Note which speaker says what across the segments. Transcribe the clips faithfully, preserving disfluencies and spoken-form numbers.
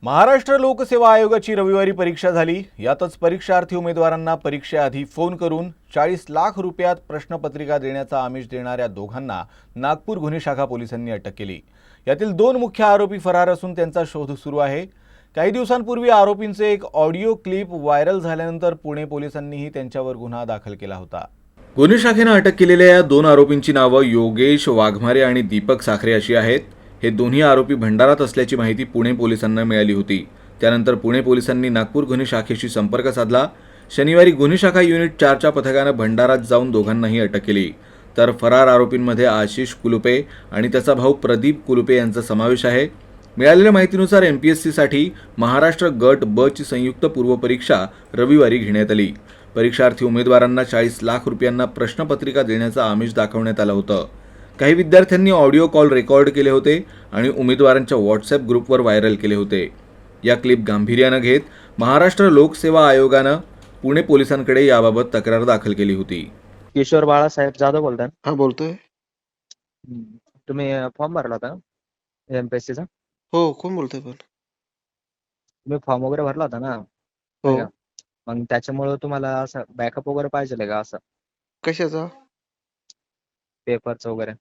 Speaker 1: महाराष्ट्र लोकसेवा आयोगाची रविवारी परीक्षा झाली। यातच परीक्षार्थी उमेदवारांना परीक्षेआधी फोन करून चाळीस लाख रुपयात प्रश्नपत्रिका देण्याचा आमिष देणाऱ्या दोघांना नागपूर गुन्हे शाखा पोलिसांनी अटक केली। यातील दोन मुख्य आरोपी फरार असून त्यांचा शोध सुरू आहे। काही दिवसांपूर्वी आरोपींचे एक ऑडिओ क्लिप व्हायरल झाल्यानंतर पुणे पोलिसांनीही त्यांच्यावर गुन्हा दाखल केला होता। गुन्हे शाखेने अटक केलेल्या या दोन आरोपींची नावे योगेश वाघमारे आणि दीपक साखरे अशी आहेत। हे दोन्ही आरोपी भंडारात असल्याची माहिती पुणे पोलिसांना मिळाली होती। त्यानंतर पुणे पोलिसांनी नागपूर गुन्हे शाखेशी संपर्क साधला। शनिवारी गुन्हे शाखा युनिट चारच्या पथकाने भंडारात जाऊन दोघांनाही अटक केली। तर फरार आरोपींमध्ये आशिष कुलुपे आणि त्याचा भाऊ प्रदीप कुलुपे यांचा समावेश आहे। मिळालेल्या माहितीनुसार एमपीएससीसाठी महाराष्ट्र गट ब ची संयुक्त पूर्वपरीक्षा रविवारी घेण्यात आली। परीक्षार्थी उमेदवारांना चाळीस लाख रुपयांना प्रश्नपत्रिका देण्याचा आमिष दाखवण्यात आलं होतं। काही विद्यार्थ्यांनी ऑडिओ कॉल रेकॉर्ड केले होते आणि उमेदवारांच्या व्हॉट्सॲप ग्रुपवर व्हायरल केले होते। या क्लिप गांभीर्याने घेत महाराष्ट्र लोकसेवा आयोगाने पुणे पोलिसांकडे याबाबत तक्रार दाखल केली होती।
Speaker 2: किशोर बाळासाहेब जाधव बोलताय?
Speaker 3: हा बोलतोय।
Speaker 2: तुम्ही फॉर्म भरला होता एमपीएससी चा?
Speaker 3: हो, कोण बोलतोय पण?
Speaker 2: तुम्ही फॉर्म वगैरे भरला होता ना?
Speaker 3: हो।
Speaker 2: मग त्याच्यामुळे तुम्हाला असं बॅकअप वगैरे पाहिजे का? असं
Speaker 3: कशाचा?
Speaker 2: पेपरचं वगैरे?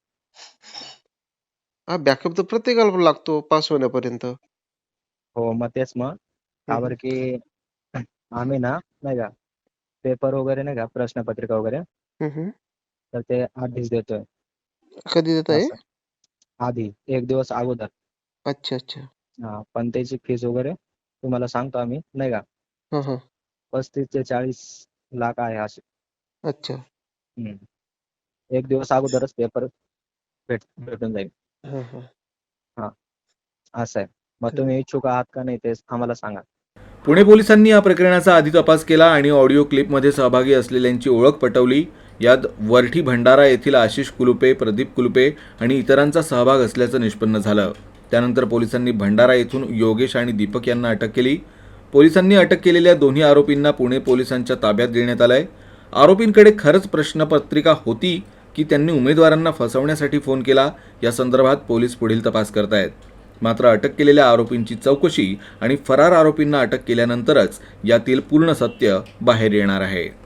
Speaker 3: हा, बॅकअप तर प्रत्येकाला लागतो पास होण्यापर्यंत।
Speaker 2: हो, मग तेच मग का की आम्ही ना नाही का पेपर वगैरे नाही का प्रश्नपत्रिका वगैरे
Speaker 3: हम्म
Speaker 2: तर ते आधीच देतोय।
Speaker 3: कधी देत आहे?
Speaker 2: आधी एक दिवस अगोदर।
Speaker 3: अच्छा अच्छा।
Speaker 2: हा, पण त्याची फीस वगैरे तुम्हाला सांगतो आम्ही नाही का,
Speaker 3: हा हा।
Speaker 2: पस्तीस ते चाळीस लाख आहे असे।
Speaker 3: अच्छा।
Speaker 2: हम्म एक दिवस अगोदरच पेपर भेट भेटून जाईल।
Speaker 3: हा हा।
Speaker 2: हा, असं आहे। मग तुम्ही इच्छुक आहात का नाही ते आम्हाला सांगा।
Speaker 1: पुणे पोलिसांनी या प्रकरणाचा आधी तपास केला आणि ऑडिओ क्लिपमध्ये सहभागी असलेल्यांची ओळख पटवली। यात वरठी भंडारा येथील आशिष कुलुपे, प्रदीप कुलुपे आणि इतरांचा सहभाग असल्याचं निष्पन्न झालं। त्यानंतर पोलिसांनी भंडारा येथून योगेश आणि दीपक यांना अटक केली। पोलिसांनी अटक केलेल्या दोन्ही आरोपींना पुणे पोलिसांच्या ताब्यात देण्यात आलंय। आरोपींकडे खरंच प्रश्नपत्रिका होती की त्यांनी उमेदवारांना फसवण्यासाठी फोन केला, या संदर्भात पोलीस पुढील तपास करतायत। मात्र अटक केलेल्या आरोपींची चौकशी आणि फरार आरोपींना अटक केल्यानंतरच यातील पूर्ण सत्य बाहेर येणार आहे।